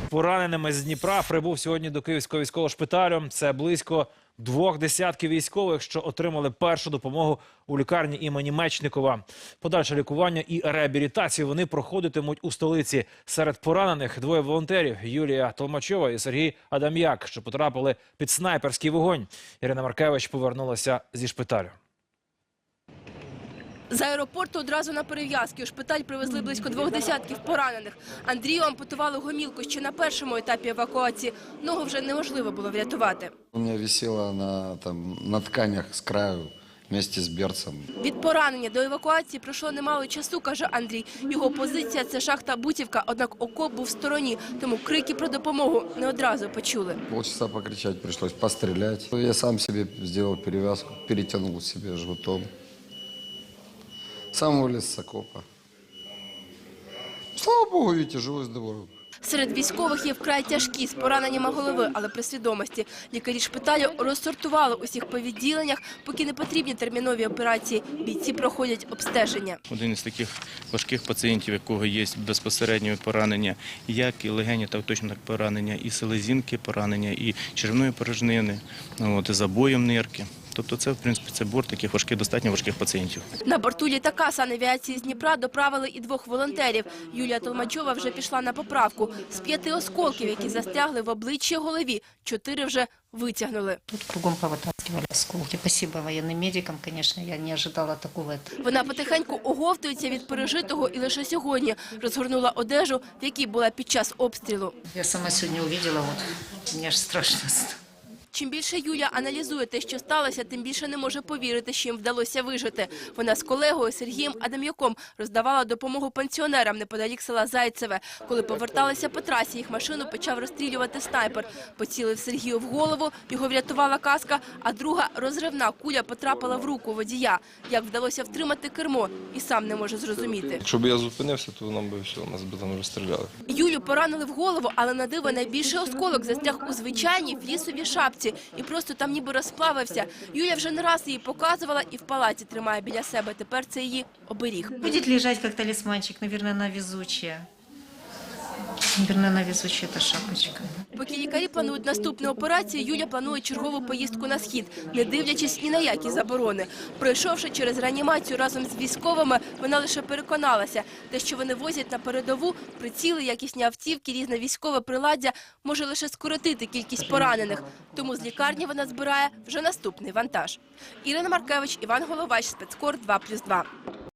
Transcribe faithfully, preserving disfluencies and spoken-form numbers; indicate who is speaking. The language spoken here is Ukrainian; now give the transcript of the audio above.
Speaker 1: пораненими з Дніпра прибув сьогодні до Київського військового шпиталю. Це близько двох десятків військових, що отримали першу допомогу у лікарні імені Мечникова. Подальше лікування і реабілітацію вони проходитимуть у столиці. Серед поранених двоє волонтерів – Юлія Толмачова і Сергій Адам'як, що потрапили під снайперський вогонь. Ірина Маркевич повернулася зі шпиталю.
Speaker 2: З аеропорту одразу на перев'язки у шпиталь привезли близько двох десятків поранених. Андрію ампутували гомілку ще на першому етапі евакуації. Ногу вже неможливо було врятувати.
Speaker 3: У мене висіла на, там, на тканях з краю вместе з берцем.
Speaker 2: Від поранення до евакуації пройшло немало часу, каже Андрій. Його позиція – це шахта Бутівка, однак окоп був в стороні, тому крики про допомогу не одразу почули.
Speaker 3: Полчаса покричати прийшлось, постріляти. Я сам собі зробив перев'язку, перетягнув себе жгутом. Сам вылез с окопа. Слава Богу, видите, живой, здоровый.
Speaker 2: Серед військових є вкрай тяжкі, з пораненнями голови, але при свідомості. Лікарі шпиталю розсортували усіх по відділеннях, поки не потрібні термінові операції. Бійці проходять обстеження.
Speaker 4: Один із таких важких пацієнтів, якого є безпосередньо поранення, як і легені, так точно так поранення, і селезінки поранення, і черевної порожнини, от, і забоєм нирки. Тобто це, в принципі, це борт таких важких, достатньо важких пацієнтів.
Speaker 2: На борту літака санавіації з Дніпра доправили і двох волонтерів. Юлія Толмачова вже пішла на поправку. З п'яти осколків, які застрягли в обличчі і голові, чотири вже витягнули.
Speaker 5: Тут кругом повитаскивали осколки. Спасибо воєнним медикам, звісно, я не очікувала такого.
Speaker 2: Вона потихеньку оговтується від пережитого і лише сьогодні розгорнула одежу, в якій була під час обстрілу.
Speaker 5: Я сама сьогодні побачила, от, мені аж страшно стало.
Speaker 2: Чим більше Юля аналізує те, що сталося, тим більше не може повірити, що їм вдалося вижити. Вона з колегою Сергієм Адам'яком роздавала допомогу пенсіонерам неподалік села Зайцеве. Коли поверталися по трасі, їх машину почав розстрілювати снайпер. Поцілив Сергію в голову, його врятувала каска, а друга розривна куля потрапила в руку водія. Як вдалося втримати кермо, і сам не може зрозуміти.
Speaker 6: Якщо б я зупинився, то нам би все, нас би там розстріляли.
Speaker 2: Юлю поранили в голову, але на диво найбільший осколок застряг у звичайній флісовій шапці. І просто там ніби розплавився. Юля вже не раз її показувала і в палаці тримає біля себе. Тепер це її оберіг.
Speaker 5: Буде лежати як талісманчик, мабуть, вона везуча. Мабуть, вона везуча, ця шапочка.
Speaker 2: Поки лікарі планують наступну операцію, Юля планує чергову поїздку на схід, не дивлячись ні на які заборони. Пройшовши через реанімацію разом з військовими, вона лише переконалася, те, що вони возять на передову, приціли, якісні автівки, різне військове приладдя, може лише скоротити кількість поранених. Тому з лікарні вона збирає вже наступний вантаж. Ірина Маркевич, Іван Головач, Спецкор два плюс два.